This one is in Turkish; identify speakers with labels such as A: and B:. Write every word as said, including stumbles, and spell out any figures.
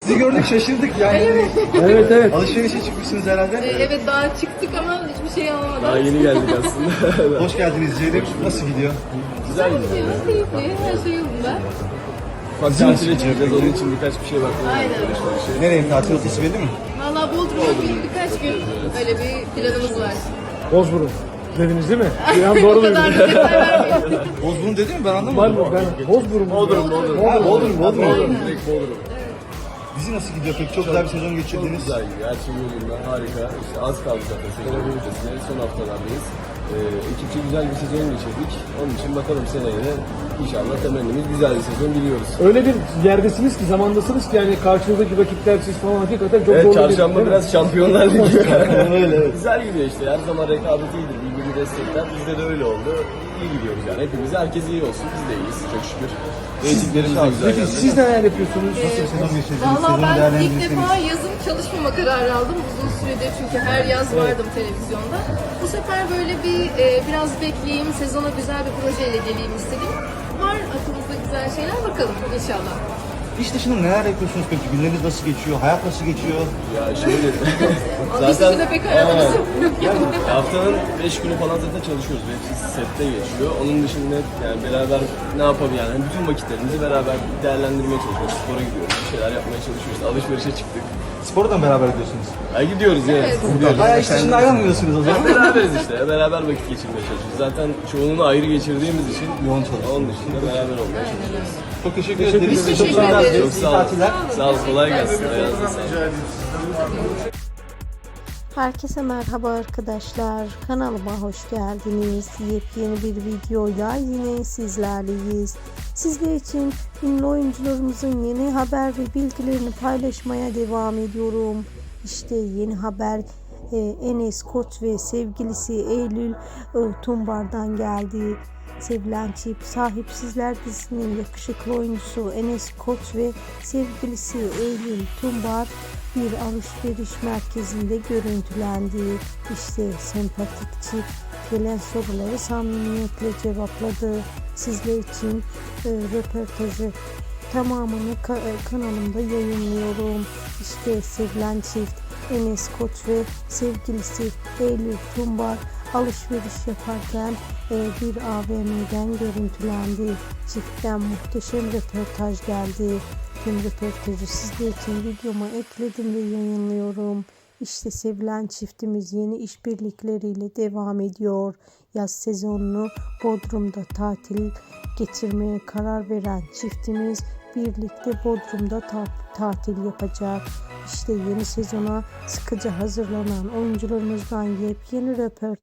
A: Sizi gördük şaşırdık yani.
B: Evet evet.
A: Alışverişe çıkmışsınız herhalde.
C: Ee, evet daha çıktık ama hiçbir şey alamadık.
D: Daha yeni geldik aslında.
A: Hoş geldiniz Ceylin. Nasıl gidiyor?
D: Güzel
C: Gidiyor,
D: gidiyor.
C: keyifli, her şey yolunda.
D: Ufak tatile çıkacağız. Onun için birkaç bir şey bakmaya
C: Aynen.
D: çalışıyoruz.
A: Nereye tatil rotası belli mi?
C: Valla Bodrum'a bir, birkaç gün öyle bir planımız var.
B: Bozburun dediniz değil mi? Bir an doğru
C: O
B: duydum.
C: kadar bir detay vermeyelim.
A: Bozburun dedi mi? Ben
B: Var
A: anlamadım.
B: mı? Ben Bozburun.
D: Bodrum, Bodrum.
A: Ha, Bodrum, Bodrum.
D: Bodrum, direkt Bodrum.
A: Dizi nasıl gidiyor peki? Çok güzel bir sezon
D: Çok
A: geçirdiniz.
D: güzel gidiyor. Her şey yolunda. Harika. İşte az kaldı zaten sezonun bitmesine. Son haftalardayız. Ee, ekipçe güzel bir sezon geçirdik. Onun için bakalım seneye de inşallah temennimiz güzel bir sezon diliyoruz.
B: Öyle bir yerdesiniz ki, zamandasınız ki yani karşınızdaki rakipler siz falan hakikaten çok
D: Evet,
B: zorlu.
D: çarşamba
B: değil mi?
D: biraz şampiyonlar ligi.
A: Öyle evet.
D: Güzel gidiyor işte. Her zaman rekabet iyidir. Birbirini destekler. Bizde de öyle oldu. İyi gidiyoruz yani. Hepimiz, herkes iyi olsun. Biz de iyiyiz. Çok şükür. Reytinglerimiz de güzel.
B: Peki
D: geldi.
B: siz neler yapıyorsunuz?
A: Nasıl bir sezon geçirdiniz?
C: Valla
A: Sezonu
C: ben ilk
A: değerlendirirseniz.
C: defa yazın çalışmama kararı aldım. Uzun süredir çünkü her yaz vardım televizyonda. Bu sefer böyle bir e, biraz bekleyeyim, sezona güzel bir projeyle geleyim istedim. Var aklımızda güzel şeyler, bakalım inşallah.
A: İş dışında neler yapıyorsunuz peki? Günleriniz nasıl geçiyor? Hayat nasıl geçiyor?
D: Ya şöyle.
C: Onun dışında pek hayatımız yok.
D: Haftanın beş günü falan zaten çalışıyoruz. Hepsi sette geçiyor. Onun dışında yani beraber ne yapalım yani bütün vakitlerimizi beraber değerlendirmeye çalışıyoruz. Spora gidiyoruz, bir şeyler yapmaya çalışıyoruz. Alışverişe çıktık.
A: Spora da mı beraber ediyorsunuz?
D: Ya gidiyoruz yani.
C: Evet.
D: Gidiyoruz.
A: Bayağı iş dışında ayrılmıyorsunuz o zaman.
D: Beraberiz işte. Beraber vakit geçirmeye çalışıyoruz. Zaten çoğunluğunu ayrı geçirdiğimiz için
A: Yoğun çalışıyoruz.
D: onun dışında beraber olmaya çalışıyoruz.
A: Çok teşekkür
B: Teşekkür
A: ederiz.
B: ederiz.
A: Çok
C: Teşekkür
A: sağ olun.
C: ederiz.
D: Çok
A: İyi
D: sağ olun.
A: tatiller.
D: Sağ olun. Kolay gelsin. Ayağınıza sağlık.
E: Herkese merhaba arkadaşlar. Kanalıma hoş geldiniz. Yepyeni bir videoyla yine sizlerleyiz. Sizler için ünlü oyuncularımızın yeni haber ve bilgilerini paylaşmaya devam ediyorum. İşte yeni haber e, Enes Koç ve sevgilisi Eylül e, Tumbar'dan geldi. Sevilen çift Sahipsizler dizisinin yakışıklı oyuncusu Enes Koç ve sevgilisi Eylül Tumbar bir alışveriş merkezinde görüntülendi. İşte sempatik çift gelen soruları samimiyetle cevapladı. Sizler için e, röportajı tamamını ka- e, kanalımda yayınlıyorum. İşte sevilen çift Enes Koç ve sevgilisi Eylül Tumbar alışveriş yaparken e, bir A V M'den görüntülendi. Çiftten muhteşem röportaj geldi. Tüm röportajı sizler için videoma ekledim ve yayınlıyorum. İşte sevilen çiftimiz yeni işbirlikleriyle devam ediyor. Yaz sezonunu Bodrum'da tatil geçirmeye karar veren çiftimiz birlikte Bodrum'da ta- tatil yapacak. İşte yeni sezona sıkıca hazırlanan oyuncularımızdan yepyeni röportaj